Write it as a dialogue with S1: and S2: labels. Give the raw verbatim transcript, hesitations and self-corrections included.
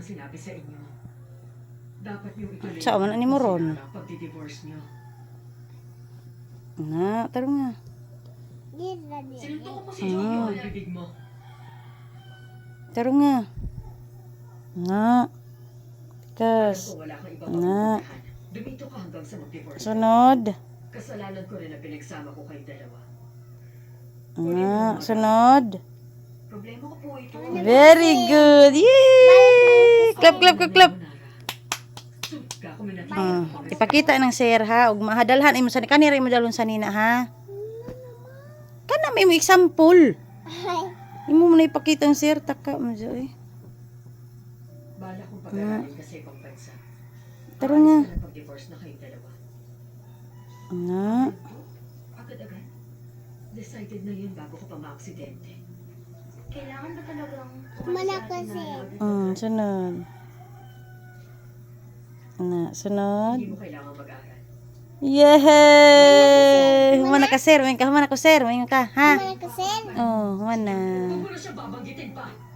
S1: sinabi sa inyo. Dapat yung ituloy
S2: Sa man ani mo ron?
S1: ang pagdi-divorce niyo.
S2: Na, taro nga.
S1: Sinuntok mo si Jojo ang bibig mo.
S2: Taro nga. Na. Kas.
S1: Kung wala kang ibang
S2: Na.
S1: mapupuntahan, dumito ka hanggang sa mag-divorce.
S2: Sunod.
S1: Kasalanan ko rin na pinagsama ko kayo dalawa.
S2: Na, sunod.
S1: Problema ko po ito.
S2: Very good. Yay! Clap, clap, clap, clap.
S1: Suka ko minatid.
S2: Ah, ipakita ng sir ha, ug mahadalhan imo sa kanira imo dalon sa nina ha. Kana may mo example. Imo mo na ipakita ng sir taka mo joy.
S1: Bala kong pag-aralin kasi ibang bansa.
S2: Taro nga.
S1: Aalis ka na pag-divorce na kayong dalawa.
S2: Na.
S1: Agad-agad. Decided na yun bago ko pa ma-aksidente. Kailangan ba talagang
S3: Malak kasi.
S2: Mm, sunod. Na, sunod.
S1: Hindi mo kailangan mag-aral.
S2: Yay! Humana ka sir, humana ka, humana ko sir, humana ka, ha?
S3: Malak kasi.
S2: Oh, humana.
S1: Huwag mo na siya babanggitin pa.